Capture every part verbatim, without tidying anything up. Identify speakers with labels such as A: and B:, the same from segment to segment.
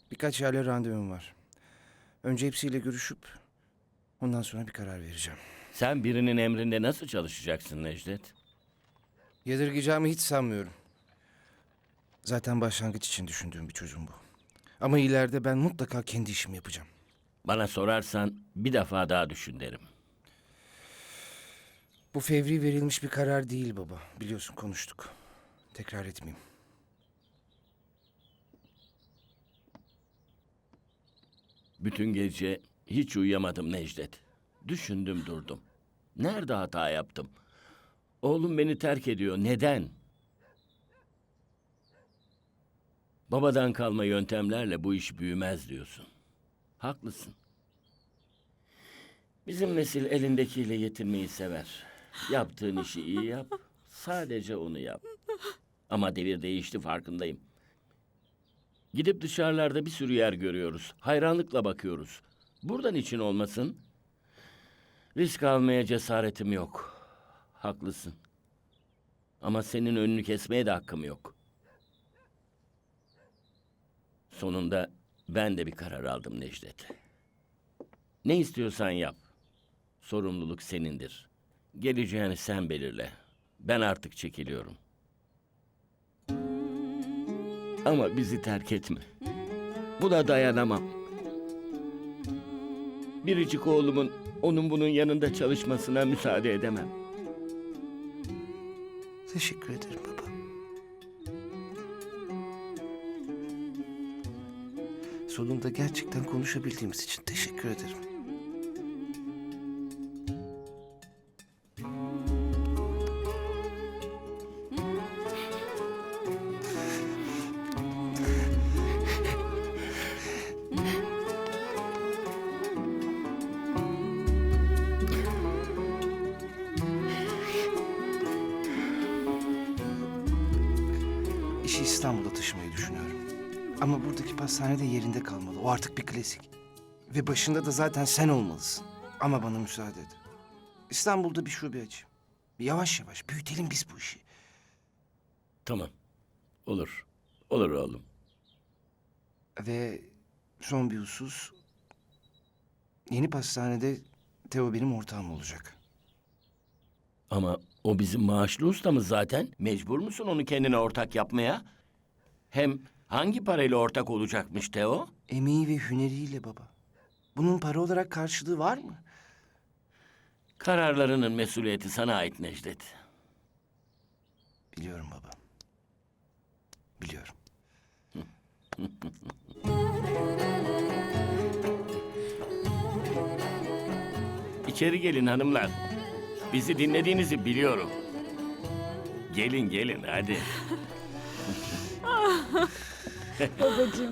A: Birkaç yerle randevum var. Önce hepsiyle görüşüp ondan sonra bir karar vereceğim.
B: Sen birinin emrinde nasıl çalışacaksın Necdet?
A: Yadırgayacağımı hiç sanmıyorum. Zaten başlangıç için düşündüğüm bir çözüm bu. Ama ileride ben mutlaka kendi işimi yapacağım.
B: Bana sorarsan bir defa daha düşün derim.
A: Bu fevri verilmiş bir karar değil baba. Biliyorsun konuştuk. Tekrar etmeyeyim.
B: Bütün gece hiç uyuyamadım Necdet. Düşündüm durdum. Nerede hata yaptım? Oğlum beni terk ediyor. Neden? Babadan kalma yöntemlerle bu iş büyümez diyorsun. Haklısın. Bizim nesil elindekiyle yetinmeyi sever. Yaptığın işi iyi yap. Sadece onu yap. Ama devir değişti, farkındayım. Gidip dışarılarda bir sürü yer görüyoruz. Hayranlıkla bakıyoruz. Buradan için olmasın. Risk almaya cesaretim yok. Haklısın. Ama senin önünü kesmeye de hakkım yok. Sonunda ben de bir karar aldım Necdet. Ne istiyorsan yap. Sorumluluk senindir. Geleceğini sen belirle. Ben artık çekiliyorum. Ama bizi terk etme. Buna dayanamam. Biricik oğlumun onun bunun yanında çalışmasına müsaade edemem.
A: Teşekkür ederim baba. Sonunda gerçekten konuşabildiğimiz için teşekkür ederim. İşi İstanbul'a taşımayı düşünüyorum. Ama buradaki pastane de yerinde kalmalı. O artık bir klasik. Ve başında da zaten sen olmalısın. Ama bana müsaade et. İstanbul'da bir şube açayım. Yavaş yavaş büyütelim biz bu işi.
B: Tamam. Olur. Olur oğlum.
A: Ve son bir husus. Yeni pastanede Teo benim ortağım olacak.
B: Ama o bizim maaşlı ustamız zaten. Mecbur musun onu kendine ortak yapmaya? Hem hangi parayla ortak olacakmış Teo?
A: Emeği ve hüneriyle baba. Bunun para olarak karşılığı var mı?
B: Kararlarının mesuliyeti sana ait Necdet.
A: Biliyorum baba. Biliyorum.
B: İçeri gelin hanımlar. Bizi dinlediğinizi biliyorum. Gelin gelin hadi.
C: Babacığım.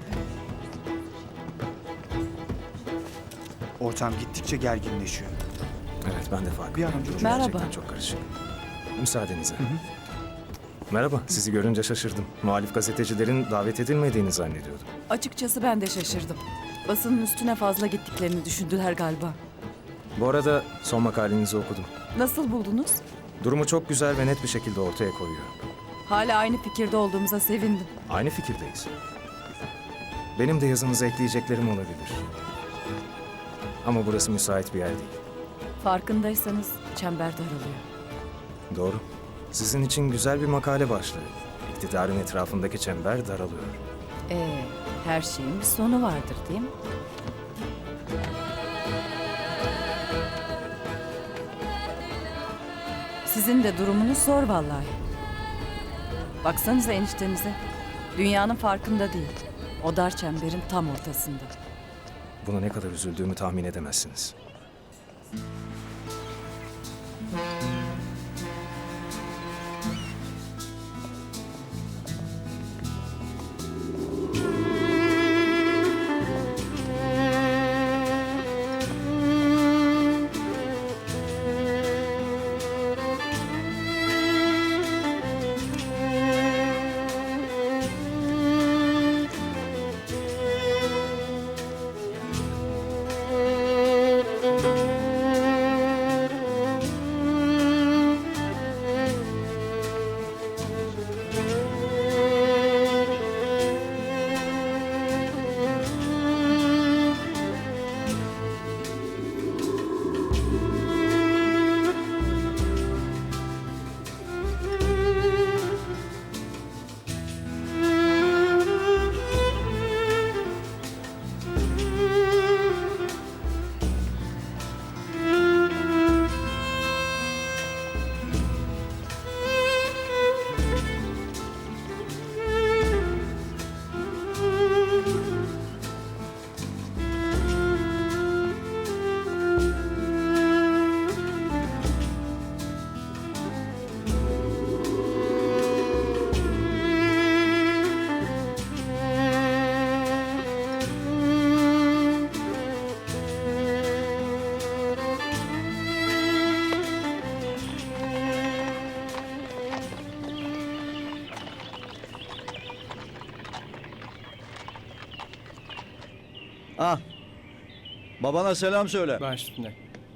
D: Ortam gittikçe gerginleşiyor.
E: Evet, ben de fark
D: Bir an
E: ettim.
D: önce
E: Durum
C: Merhaba.
E: gerçekten çok karışık. Müsaadenizle. Merhaba, sizi görünce şaşırdım. Muhalif gazetecilerin davet edilmediğini zannediyordum.
C: Açıkçası ben de şaşırdım. Basının üstüne fazla gittiklerini düşündüler galiba.
E: Bu arada son makalenizi okudum.
C: Nasıl buldunuz?
E: Durumu çok güzel ve net bir şekilde ortaya koyuyor.
C: Hala aynı fikirde olduğumuza sevindim.
E: Aynı fikirdeyiz. Benim de yazınıza ekleyeceklerim olabilir. Ama burası müsait bir yer değil.
C: Farkındaysanız çember daralıyor.
E: Doğru. Sizin için güzel bir makale başlığı. İktidarın etrafındaki çember daralıyor.
C: Ee, her şeyin bir sonu vardır değil mi? Sizin de durumunuz zor vallahi. Baksanıza eniştenize. Dünyanın farkında değil. O dar çemberin tam ortasında.
E: Buna ne kadar üzüldüğümü tahmin edemezsiniz.
F: Ah. Babana selam söyle.
G: Baş üstüne.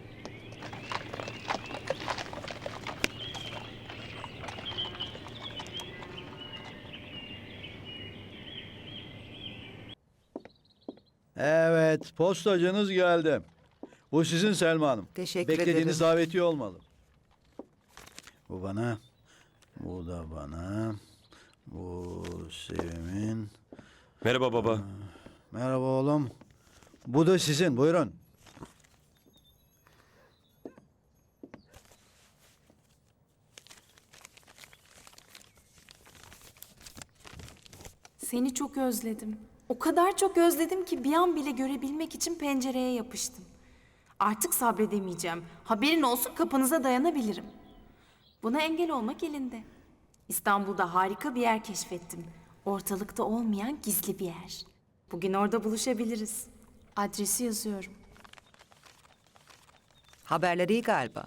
F: Evet, postacınız geldi. Bu sizin Selma Hanım.
H: Teşekkür
F: Beklediğiniz
H: ederim.
F: davetiye olmalı. Bu bana. Bu da bana. Bu Sevim'in.
I: Merhaba baba.
F: Merhaba oğlum. Bu da sizin. Buyurun.
J: Seni çok özledim. O kadar çok özledim ki bir an bile görebilmek için pencereye yapıştım. Artık sabredemeyeceğim. Haberin olsun kapınıza dayanabilirim. Buna engel olmak elinde. İstanbul'da harika bir yer keşfettim. Ortalıkta olmayan gizli bir yer. Bugün orada buluşabiliriz. Adresi yazıyorum.
H: Haberler iyi galiba.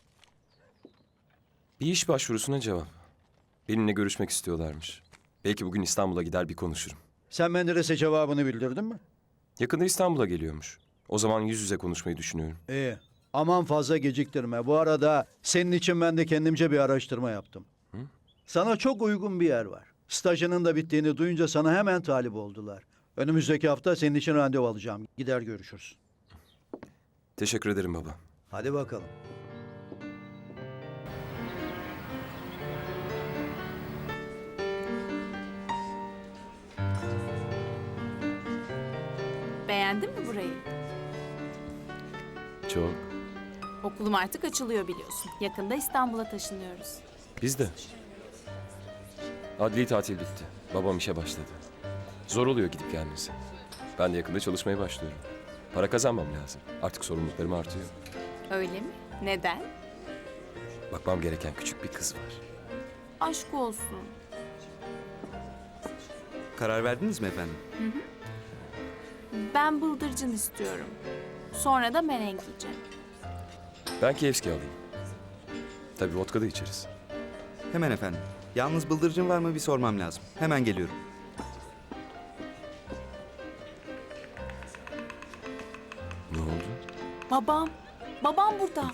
I: Bir iş başvurusuna cevap. Benimle görüşmek istiyorlarmış. Belki bugün İstanbul'a gider bir konuşurum.
F: Sen Menderes'e cevabını bildirdin mi?
I: Yakında İstanbul'a geliyormuş. O zaman yüz yüze konuşmayı düşünüyorum.
F: İyi. Aman fazla geciktirme. Bu arada senin için ben de kendimce bir araştırma yaptım. Sana çok uygun bir yer var. Stajının da bittiğini duyunca sana hemen talip oldular. Önümüzdeki hafta senin için randevu alacağım. Gider görüşürüz.
I: Teşekkür ederim baba.
F: Hadi bakalım.
J: Beğendin mi burayı?
I: Çok.
J: Okulum artık açılıyor biliyorsun. Yakında İstanbul'a taşınıyoruz.
I: Biz de. Adli tatil bitti. Babam işe başladı. Zor oluyor gidip gelmesi. Ben de yakında çalışmaya başlıyorum. Para kazanmam lazım. Artık sorumluluklarım artıyor.
J: Öyle mi? Neden?
I: Bakmam gereken küçük bir kız var.
J: Aşk olsun.
D: Karar verdiniz mi efendim?
J: Ben bıldırcın istiyorum. Sonra da merenk yiyeceğim.
I: Ben Kievski alayım. Tabii vodka da içeriz.
D: Hemen efendim. Yalnız bıldırcın var mı bir sormam lazım. Hemen geliyorum.
I: Ne oldu?
J: Babam. Babam burada.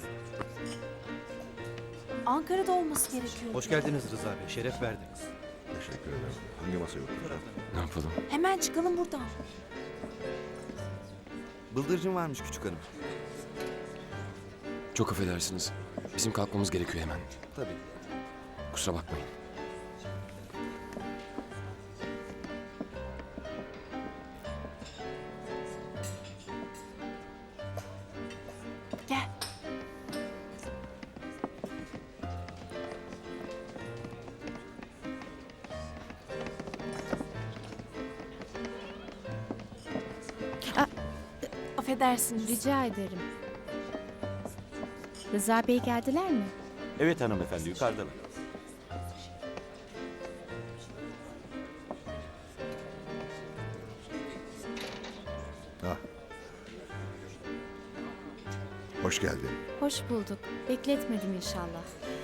J: Ankara'da olması gerekiyor.
K: Hoş geldiniz Rıza Bey. Şeref verdiniz.
L: Teşekkür ederim. Hangi masaya oturacağım?
I: Ne yapalım?
J: Hemen çıkalım buradan.
K: Bıldırcın varmış küçük hanım.
I: Çok affedersiniz. Bizim kalkmamız gerekiyor hemen.
K: Tabii.
I: Kusura bakmayın.
J: Gel. Affedersiniz.
M: Rica ederim. Rıza Bey geldiler mi?
K: Evet hanımefendi yukarıdalar.
L: Ah. Hoş geldin.
M: Hoş bulduk. Bekletmedim inşallah.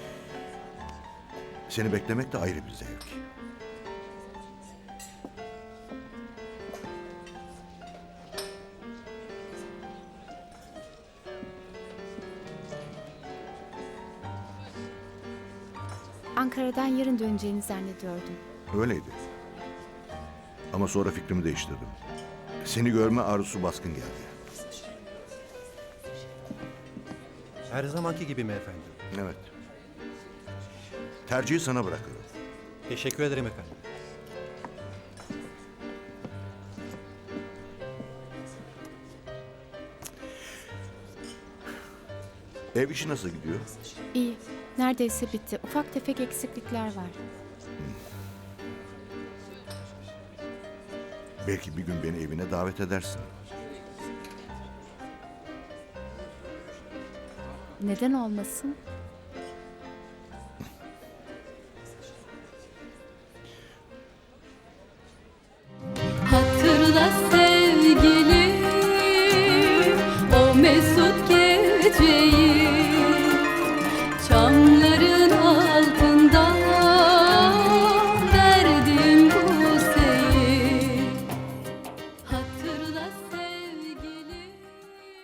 L: Seni beklemek de ayrı bir zevk.
M: Ankara'dan yarın döneceğini zannediyordum.
L: Öyleydi. Ama sonra fikrimi değiştirdim. Seni görme arzusu baskın geldi.
K: Her zamanki gibi mi efendim?
L: Evet. Tercihi sana bırakıyorum.
K: Teşekkür ederim efendim.
L: Ev işi nasıl gidiyor?
M: İyi. Neredeyse bitti. Ufak tefek eksiklikler var.
L: Belki bir gün beni evine davet edersin.
M: Neden olmasın?
J: Hatırla sen.